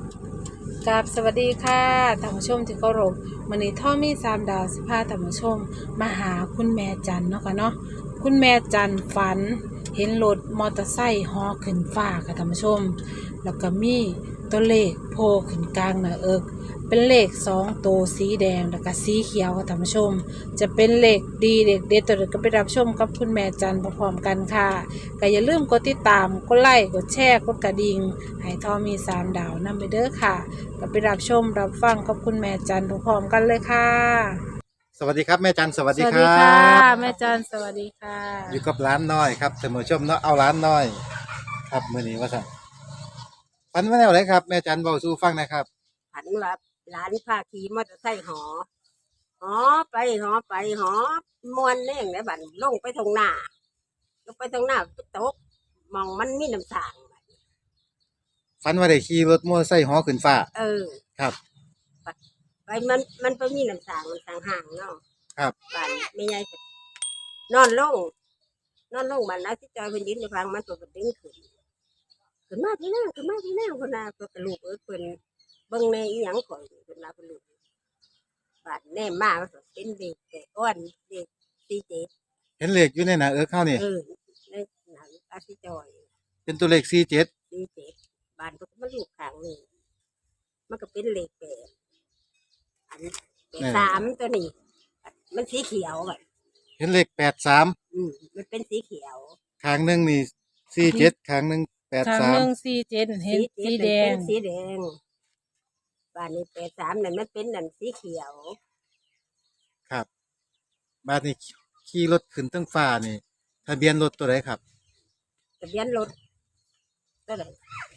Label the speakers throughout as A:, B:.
A: กับสวัสดีค่ะท่านผู้ชมที่เคารพมื้อนี้ท่อมี3 ดาวสิพาท่านผู้ชมมาหาคุณแม่จันเนาะค่ะเนาะคุณแม่จันฝันเห็นรถมอเตอร์ไซค์ฮอขึ้นฟ้าค่ะท่านผู้ชมแล้วก็มีตัวเลขโผล่ขึ้นกลางหน้าอกเป็นเลข2 ตัวสีแดงแล้วก็สีเขียวค่ะท่านผู้ชมจะเป็นเลขดีเลขเด็ดตัวใดก็ไปรับชมกับคุณแม่จันพร้อมๆกันค่ะก็อย่าลืมกดติดตามกดไลค์กดแชร์กดกระดิ่งให้ท่อมี3 ดาวนำไปเด้อค่ะ ก็ไปรับชมรับฟังกับคุณแม่จันพร้อมๆกันเลยค่ะ
B: สวัสดีครับแม่จันสวัส
A: สวัส
B: ดีครั
A: ดีค่ะ
B: บ
A: แม่จันสวัสดีค่ะ
B: อยู่กับร้านน้อยครับเสมอชมเนาะเอาร้านน้อยครับมื้อนี้ว่าสั่นฝันว่าแนวไหนครับแม่จันเบาสู้ฟังหนะครับ
C: ผันว่าหลานพาขี่มอเตอร์ไซค์หอไปหอมวนเน่งได้บัดลงไปทางหน้าลงไปทางหน้าไปตกมองมันมีน้ำสางบัด
B: ฝันว่าได้ขี่รถมอเตอร์ไซค์ฮอขึ้นฟ้า
C: เออ
B: ครับ
C: ไปมันไปมีน้ำสางมันสางห่างเนาะ
B: ครับ
C: บัดไม่ใหญ่ก็นอนลงมันนะที่จอยเพิ่นยืนอยู่ฟังมันตัวมันดึงขึ้นมาพี่นางคนน่ะก็กระลูกเพิ่นเบิ่งในอีหยังข่อยเพิ่นว่าเพิ่นลูกบาดแน่มามันก็เป็นเด็กแต่อ้วนเด็ก47
B: เห็นเลขอยู่ในหน้าเข้านี่
C: เออในหนังอาชิจอย
B: เป็นตัวเลข47
C: 47บานมันก็มาลูกข้างนี่มันก็เป็นเลข8อันเป็น
B: เออ
C: 3ตัวนี้มันสีเขียวแบบ
B: เห็นเลข83
C: มันเป็นสีเขียว
B: ข้างหนึงนี่47ข้างหนึง
A: ทางหนึ่ง
B: 83
A: 47เห็นสีแดง
C: เป็นสีแดงบานนี้83นั่นมันเป็นนั่นสีเขียว
B: ครับบาดนี้ขี่รถขึ้นเทั้งฟ้านี่ทะเบียนรถตัวไหนครับ
C: ทะเบียนรถตัวไหน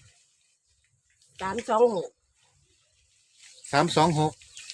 C: 326
B: 326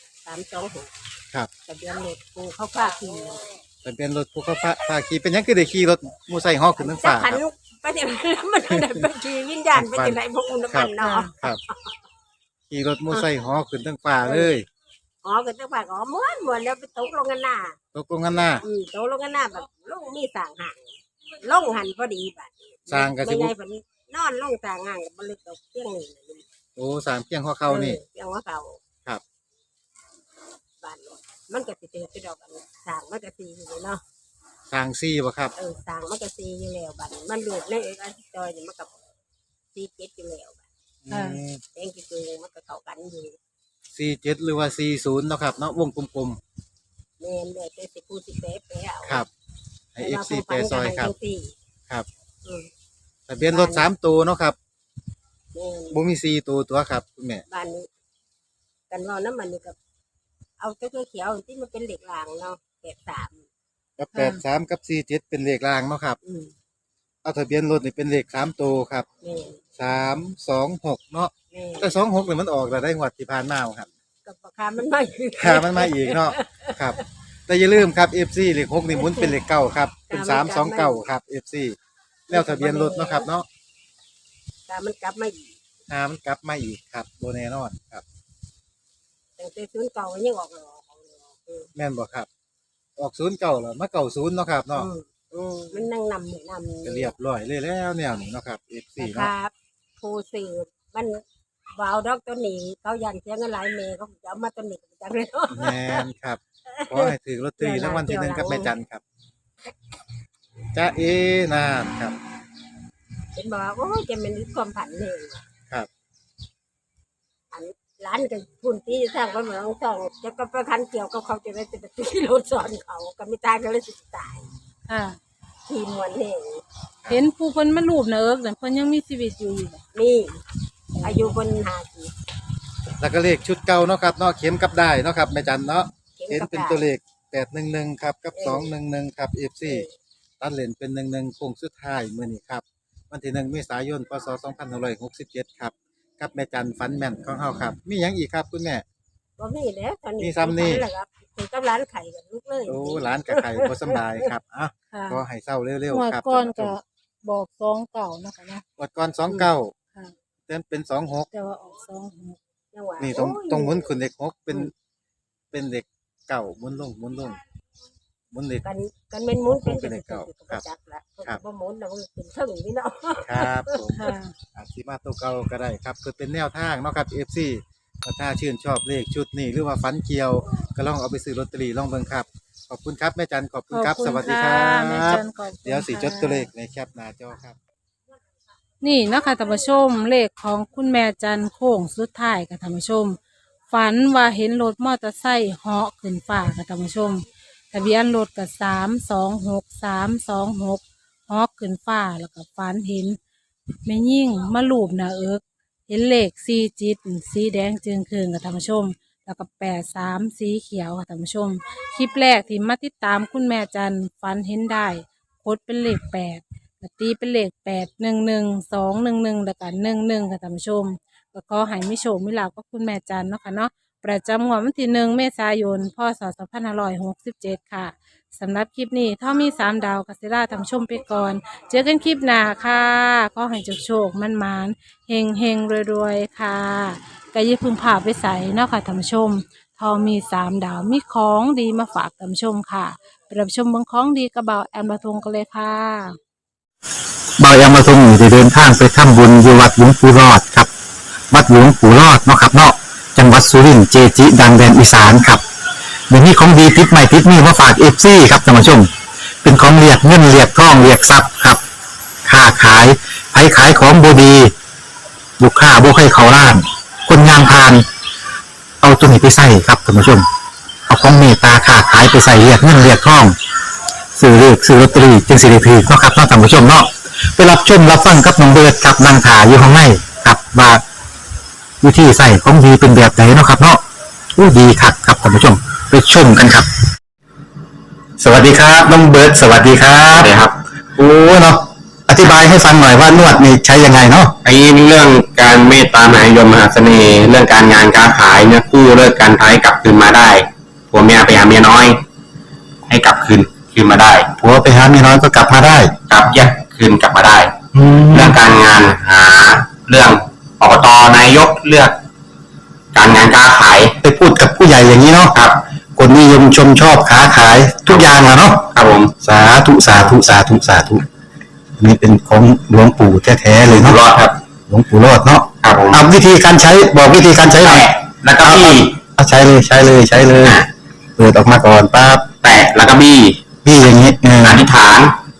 C: 326
B: ครับ
C: ทะเบียนรถกูเขาพาขี่
B: ทะเบียนรถผู้เขาพาขี่เป็นหยังคือได้ขี่รถมอเตอร์ไซค์ฮอขึ้นเทั้งฟ้า
C: ขัน
B: ครับ
C: ไปเดี๋ยวมันไปขี่วิญญาณไปที่ไหนพวกอุณห
B: ครั
C: มั
B: บ
C: นเนาะ
B: ครับขี่รถมอไซค์ฮอขึ้นทั้งฟ้าเลย
C: อ๋อก็จะว่าอ๋อม้วนแล้วไปตกลงกันหน้า
B: ตกลงกันหน้า
C: ตกลงกันหน้าแบบลงมีสร้างห่างลงหันพอดีบัด
B: สร้างก็สิ
C: ไม่
B: บุ
C: ใหญ่เพิ่นนอนลงสร้างห่างบ่ลึกดอกเพียงนี่นะ
B: โอ้สามเพียงข้อเข้านี่
C: เพียงว่าเขา
B: ครับ
C: บัดมันก็สิเจอไปดอกอันสร้างมันก็สิอยู่เนาะ
B: สร้างซี่บ่ครับ
C: สร้างมันก็สิอยู่แล้วบัดมันรูดในเอกอันจอยนี่มันก็สิเก็ดอยู่แล้วบัดแองคือมันก็เข้ากันอยู่
B: 47หรือว่า40เนาะครับเนาะวงกลม
C: แม่นแล้วแต่สิผู้สิแปะเอา
B: ๆครับให้ FC แปรซอยครับครับ
C: อืม
B: ทะเบียนรถ3ตัวเนาะครับ
C: แม่น
B: บ่มี4ตัวตัวครับคุณแม่
C: บ้านนี้กันเว่าน้ำมันนี่กับเอาเจ้าเขียวๆที่มันเป็นเหล็กรางเนาะ83
B: กับ83กับ47เป็นเลขรางเนาะครับ
C: อืม
B: เอาทะเบียนรถนี่เป็นเลข3ตัวครับ
C: แม่น
B: 326เนาะ
C: แม่น
B: แต่26นี่มันออกแล้วได้งวดที่ผ่านมาบ่ครับ
C: กับราคามันไม่คือ
B: ค่ามันมาอีกเนาะครับแต่อย่าลืมครับ FC เลข6นี่หมุนเป็นเลขเก้าครับเป็น329ครับ FC แล้วทะเบียนรถเนาะครับเนาะ
C: กามันกลับมาอีก
B: มันกลับมาอีกครับโบแน่นอนครับ
C: แต่ศูนย์เก่ายังออกหรอก
B: แม่นบ่ครับออก09แล้วมา90เนาะครับเนาะ
C: มันนั่งนำ
B: ก็เรียบร้อยเลยแล้วแนวนี้เนาะครับ FC เนาะ
C: ครับผู้สื่อมันวาวดอกตัวนี้เขายันเสียเงินหลายเมย์เขาจะเอามาตัวนี้จังเลยเนาะ
B: แม่นครับขอให้ถือลอตเตอรี่รางวัลที่1กับแม่จันครับจ้าเอนานครับ
C: เป็นบอกว่าโอ้ยจะเป็นความผันเลย
B: ครับ
C: อันร้านกับพุ่นที่สร้างก็เหมือนสองจะก็ประคันเกี่ยวกับเขาจะได้จะตีรถสอนเขาก็ไม่ตายก็เลยสิตาย
A: ค่ะ
C: ทีมวนเอง
A: เห็นผู้คนมารูปเนอะแต่เพิ่นยังมีชีวิตอยู่บ่
C: นี่อายุคน50
B: แล้วก็เลขชุดเก่าเนาะครับเนาะเข็มกับได้เนาะครับแม่จันเนาะเห็นเป็นตัวเลข811ครับกับ211ครับ FC ตัดเลนเป็น11โค้งสุดท้ายมื้อนี้ครับวันที่1เมษายนพศ2567ครับกับแม่จันฝันแม่นของเฮาครับมีหยังอีกครับคุณแม่
C: บ่มีแล้วตอนนี้
B: มีซ้ำนี่
C: แหละครับถึงกับร้านไข่กับลูกเลย
B: โอ้หลานกับไข่บ่สำบายครับอ่ะ
A: ค่ะ
B: ขอให้เศร้าเร็ว
A: งวด
B: ๆครับ
A: ก่อนก็บอก29เนาะค่ะเนาะ
B: งวดก่อน29
A: ค่ะ
B: เต้นเป็น26
A: แต่ว่าออก26
C: จังหวะ
B: นี่ตรงหมุนขึ้นเลข6เป็นเลขเก้าหมุนลงบมุนเลข
C: กันเป็นหมุนเป็น
B: เป็นเลขเก้า
C: ก็จักละ
B: ครับ
C: บ่หมุนแล้วมันเป็นเทิงนี่เนาะ
B: ครับผม
A: ค่ะ
B: อาจสิมาตัวเก่าก็ได้ครับเพื่อเป็นแนวทางเนาะครับ FC ถ้าชื่นชอบเลขชุดนี้หรือว่าฟันเกี่ยว ก็ลองเอาไปซื้อลอตเตอรี่ลองเบิ่งครับ ขอบคุณครับแม่จันขอบคุณครับ
A: ขอบ
B: ส
A: คุณ
B: วัสดีค
A: ค่ะ
B: รับ
A: แม่จันขอบคุณ
B: เดี๋ยวสิจด
A: ค่ะ
B: ตัวเลขในแคปหน้าจอครับ
A: นี่เนาะคะท่านผู้ชมเลขของคุณแม่จันโค้งสุดท้ายค่ะท่านผู้ชม ฝันว่าเห็นรถมอเตอร์ไซค์เหาะขึ้นฟ้าค่ะท่านผู้ชมทะเบียนรถกับ326เหาะขึ้นฟ้าแล้วก็ฝันเห็นแม่ยิ่งมาลูบหน้าเอิกเห็นเลข4จิตสีแดงจึงคืนค่ะท่านผู้ชม แล้วก็83สีเขียวค่ะท่านผู้ชม คลิปแรกที่มาติดตามคุณแม่จันฝันเห็นได้โคดเป็นเลข8ก็ตีเป็นเลข811 211แล้วก็11ค่ะท่านผู้ชม ก็ขอให้มิโชคมิลาภกับคุณแม่จันเนาะค่ะเนาะประจำงวดวันที่1 เมษายนพศ2567ค่ะสำหรับคลิปนี้ถ้ามี3ดาวกัสิล่าทำชมไปก่อน เจอกันคลิปหน้าค่ะขอให้โชคๆมั่นๆเฮงๆรวยๆค่ะก็อย่าเพึ่งพาไปใส่เนาะค่ะท่านผู้ชมทอมี3ดาวมีของดีมาฝากท่านผู้ชมค่ะไปรับชมเบางของดีกระเบาแอมบะทงกันเลยค่ะ
D: บายามาทรงอยู่ได้เดินทางไปทำบุญอยู่วัดหลวงปู่รอดครับ วัดหลวงปู่รอดเนาะครับเนาะจังหวัดสุรินทร์เจจิ ดังแดนอีสานครับเดี๋ยวนี้ของดีติดใหม่ติดนี่มาฝากเอฟซีครับท่านผู้ชม เป็นของเรียกเงินเรียกทองเรียกทรัพย์ครับค้าขายไผขายของบดีลูกค้าบ่ให้เขาล้าน คนงานพาน เอาตัวนี้ไปใส่ครับท่านผู้ชม เอาของเมตตาค้าขายไปใส่เรียกเงินเรียกทองซื้อเลขซื้อลอตเตอรี่จึงสิริพีเนาะครับเนาะท่านผู้ชมเนาะไปรับชมรับฟังกับน้องเบิร์ดครับนางถาอยู่ข้างในครับว่าวิธีใส่ของดีเป็นแบบไหนเนาะครับเนาะอู้ดีคักครับท่านผู้ชมไปชมกันครับ สวัสดีครับน้องเบิร์ดสวัสดีครับสวัสดีครับโอ้เนาะอธิบายให้ฟังหน่อยว่านวดนี่ใช้ยังไงเนาะ
E: ไอ้เรื่องการเมตตามหานิยมมหาเสน่ห์เรื่องการงานการขายเนี่ยกู้เลิกการท้ายกลับคืนมาได้ผัวเมียไปหาเมียน้อย ให้กลับคืนมาได้
D: ผัวไปหาเมียน้อยก็กลับมาได้
E: กลับแยกคืนกลับมาได้
D: แล้
E: เรื่
D: ว
E: องการงานหาเรื่องอบตนายกเลือก การงานการขาย
D: ไปพูดกับผู้ใหญ่อย่างนี้เนาะ
E: ครับ
D: คนนิยมชมชอบค้าขายทุกอย่างอะเนาะ
E: ครับผม
D: สาธุสาธุสาธุสาธุนี่เป็นของหลวงปู่แท้ๆเลย
E: อยู่
D: เนาะ
E: รอดครับ
D: หลวงปู่รอดเนาะ
E: ครับผม
D: เอาวิธีการใช้บอกวิธีการใช้หน่อย
E: แตะแล้วก็บี้
D: เอาใช้เลยใช้เลยใช้เลยเปิดออกมาก่อนปั๊บ
E: แตะแล้วก็บี้
D: พี่อย่างนี้
E: อธิษฐาน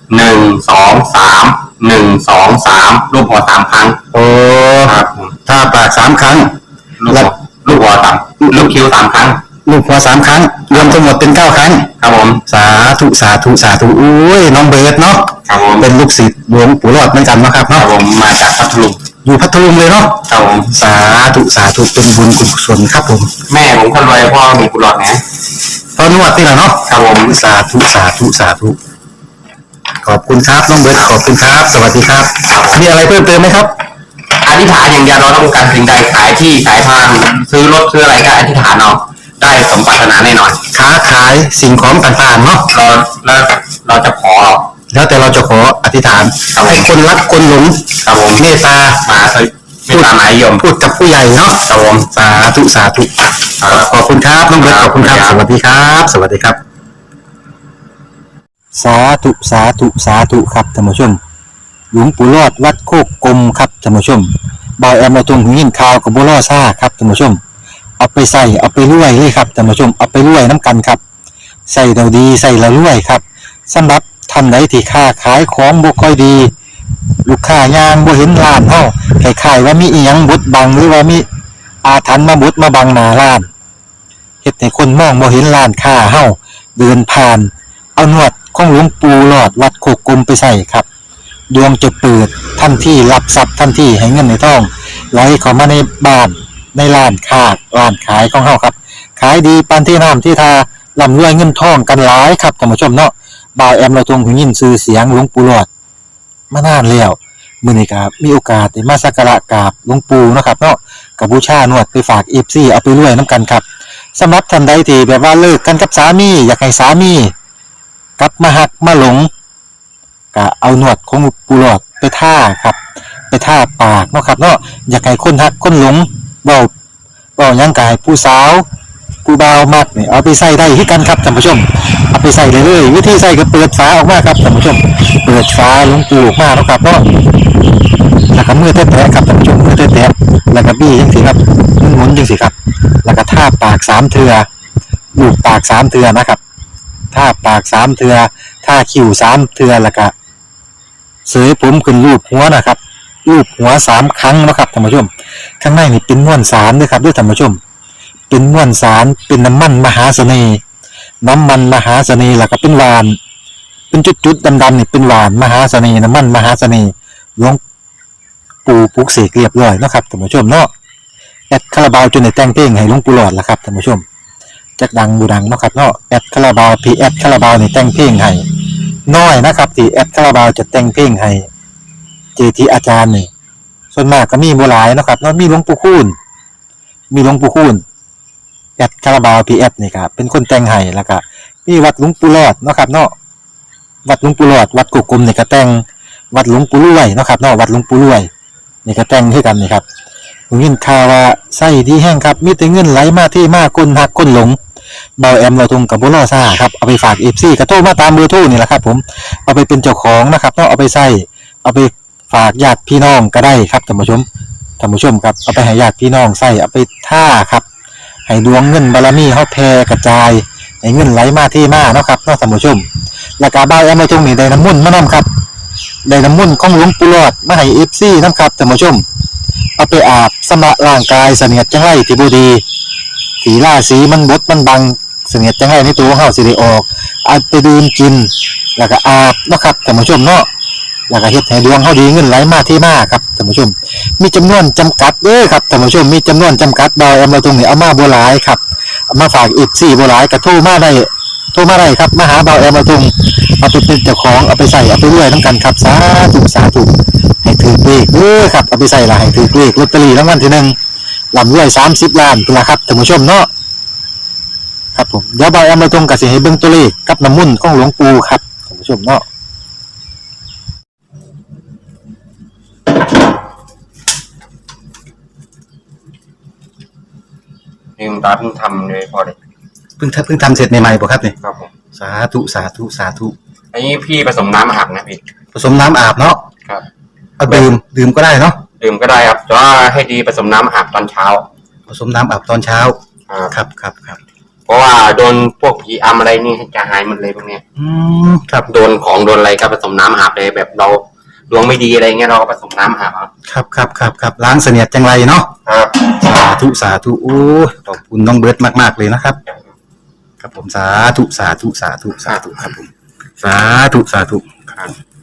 E: 1 2 3 1 2 3รูปหัว3ครั้ง
D: โอ้
E: ครับผม
D: ถ้าปาก3 ครั้ง
E: ลูกหัวลูกคิ้ว3 ครั้ง
D: ลูกหัว3 ครั้ง รวมทั้งหมดเป็น9 ครั้ง
E: ครับผม
D: สาธุสาธุสาธุอุ้ยน้องเบิร์ดเนาะ
E: ครับผม
D: เป็นลูกศิษย์หลวงปู่รอดเหมือนกันเนาะครับ
E: ครับ
D: เนาะ
E: ผมมาจากพัทลุง
D: อยู่พัทลุงเลยเนาะ
E: ครับผม
D: สาธุสาธุเป็นบุญกุศลครับผม
E: แม่ผมคนรวยพ่อมีกุหลาบนะ
D: ตอนนวดนี่แหละเนาะ
E: ครับผม
D: สาธุสาธุสาธุขอบคุณครับน้องเบิร์ดขอบคุณครับ สวัสดีครับมีอะไรเพิ่มเติมไหมครับ
E: อธิษฐานอย่างเดียวเราต้องการสิ่งใดขายที่ขายทางซื้อรถซื้ออะไรก็อธิษฐานเอาได้สมปรารถนาแน่นอน
D: ค้าขายสิ่งของต่างๆเนาะ
E: เราจะขอ
D: แล้วแต่เราจะขออธิษฐานให้คนรักคนหลง
E: ครับผม
D: เมตตา
E: มาเมตตามหานิยม
D: พูดกับผู้ใหญ่เนาะ
E: ครับผม
D: สาธุสาธุขอบคุณครับน้องเบิร์ตขอบคุณครับ สวัสดีครับ สวัสดีครับ สาธุสาธุสาธุครับท่านผู้ชม หลวงปู่รอดวัดโคกกลมครับท่านผู้ชมบอยแอมมาตรงหินข่าวกับบัวล่อซ่าครับท่านผู้ชม เอาไปใส่เอาไปรวยเลยครับท่านผู้ชมเอาไปรวยน้ำกันครับใส่เราดีใส่เรารวยครับสำหรับท่านใดที่ค้าขายของบ่ค่อยดี ลูกค้ายางบ่เห็นร้านเฮาคล้ายๆว่ามีอีหยังบดบังหรือว่ามีอาถรรพ์มาบดมาบังหน้าร้านเฮ็ดให้คนมองบ่เห็นร้านค้าเฮาเดินผ่าน เอาหนวดของหลวงปู่หลอดวัดโคกกลมไปใส่ครับดวงจะเปิดทันทีรับทรัพย์ทันทีให้เงินในท้องไหลเข้ามาในบ้านในร้านค้าร้านขายของเฮาครับขายดีปานที่น้ำที่ทาร่ำรวยเงินทองกันหลายครับท่านผู้ชมเนาะบ่าวแอมเราทรงหูยินชื่อเสียงหลวงปู่หลอดมานานแล้วมื้อนี้ก็มีโอกาสได้มาสักการะกราบหลวงปู่เนาะครับเนาะก็บูชานวดไปฝาก FC เอาไปรวยนํกันครับสำหรับท่านใดที่แบบว่าเลิกกันกับสามีอยากให้สามีกลับมาหักมาหลงก็เอาหนวดของปูหลอดไปท่าครับไปท่าปากเนาะครับเนาะอยากให้คนหักคนหลงเว้าหยังกายผู้สาวกูบาวมักนี่เอาไปใส่ได้ที่กันครับท่านผู้ชมเอาไปใส่เลยเลยวิธีใส่ก็เปิดฝาออกมาครับท่านผู้ชมเปิดฝาหลวงปูออกมาแล้วครับเนาะแล้วก็มือแตะๆครับท่านผู้ชมมือแตะๆแล้วก็บี้จังสิครับหมุนจังสิครับแล้วก็ทาปาก3เทื่อลูบปาก3เทื่อนะครับทาปาก3เทื่อทาคิ้ว3เทื่อแล้วก็เสยผมขึ้นรูปหัวนะครับรูปหัว3ครั้งนะครับท่านผู้ชมข้างในนี่เป็นม้วนสารด้วยครับด้วยท่านผู้ชมเป็นม้วนสารเป็นน้ำมันมหาเสน่ห์น้ำมันมหาเสน่ห์แล้วก็เป็นหวานเป็นจุดๆดำๆนี่เป็นหวานมหาเสน่ห์น้ำมันมหาเสน่ห์หลวงปู่ปลุกเสกเรียบร้อยนะครับท่านผู้ชมเนาะแอดคาราบาวจนได้แต่งเพลงให้หลวงปู่หลอดแล้วครับท่านผู้ชมจักดังบูดังเนาะครับเนาะแอดคาราบาวพีแอดคาราบาวนี่แต่งเพลงให้น้อยนะครับที่แอดคาราบาวจะแต่งเพลงให้เจทีอาจารย์นี่ส่วนมากก็มีบ่หลายเนาะครับเนาะมีหลวงปู่คูณแอดคาราบาวพีแอดนี่ครับเป็นคนแต่งให้แล้วก็มีวัดหลวงปู่หลอดเนาะครับเนาะวัดหลวงปู่หลอดวัดกุกกลมนี่ก็แต่งวัดหลวงปู่รวยเนาะครับเนาะวัดหลวงปู่รวยนี่ก็แต่งให้กันนี่ครับผมยินข่าวว่าไส้ดีแห้งครับมีแต่เงินไหลมาที่มาคนหักคนหลงเบาแอมเราทงกับบุรอซ่าครับเอาไปฝาก FC กระโทรมาตามเบอร์โทรนี่แหละครับผมเอาไปเป็นเจ้าของนะครับเนาะเอาไปใส่เอาไปฝากญาติพี่น้องก็ได้ครับท่านผู้ชมครับเอาไปให้ญาติพี่น้องใส่เอาไปท่าครับให้ดวงเงินบารมีเฮาแผ่กระจายให้เงินไหลมาที่มาเนาะครับเนาะท่านผู้ชมแล้วก็เบาแอมเราทงนี่ได้น้ำมนต์มานํครับได้น้ำมนต์ของหลวงปู่หลอดมาให้ FC นำครับท่านผู้ชมเอาไปอาบสำระร่างกายเสนียดจังไรที่บ่ดีสีราศีมันบดมันบังเสนียดจังไรในตัวเฮาสิได้ออกเอาไปดื่มกินแล้วก็อาบเนาะครับท่านผู้ชมเนาะแล้วก็เฮ็ดให้ดวงเฮาดีเงินไหลมาที่มาครับท่านผู้ชมมีจำนวนจำกัดเด้อครับท่านผู้ชมมีจำนวนจำกัดดาวเอามาตรงนี้เอามาบ่หลายครับเอามาฝากFCบ่หลายก็โทรมาได้ครับมาหาเบาแอมมาตรงเอาไปเป็นเจ้าของเอาไปใส่เอาไปรวยนํกันครับสาธุให้ถือเลขเด้อครับเอาไปใส่ละให้ถือเลขลอตเตอรี่รางวัลที่1ลำรวย30 ล้านพุ่นล่ะครับท่านผู้ชมเนาะครับผมเดี๋ยวเบาแอมมาตรงก็สิให้เบิ่งตัวเลขกับน้ำมนต์ของหลวงปู่ครับท่านผู้ชมเนาะ
E: นี่คุณตาเพิ่งทำเลยพอเลย
D: เพิ่งทำเสร็จใหม่ๆป่ะครับเนี่ย
E: ครับผม
D: สาธุ
E: อันนี้พี่ผสมน้ำอาบนะพี่
D: ผสมน้ำอาบเนาะ
E: ครับ
D: เอาดื่มก็ได้เนาะ
E: ดื่มก็ได้ครับแต่ว่าให้ดีผสมน้ำอาบตอนเช้า
D: ผสมน้ำอาบตอนเช้า
E: ครับ
D: ครับ
E: เพราะว่าโดนพวกผีอำอะไรนี่จะหายหมดเลยพวกเนี้ย
D: ครับ
E: โดนของโดนอะไรก็ผสมน้ำอาบเลยแบบเราดวงไม่ดีอะไรเงี้ยเราก็ผสมน้ำอาบเอา
D: ครับล้างเสนียดจังไรเนาะ
E: ครับ
D: สาธุโอ้ขอบคุณน้องเบิร์ตมากๆเลยนะครับครับผมสาธุครับผมสาธุครับ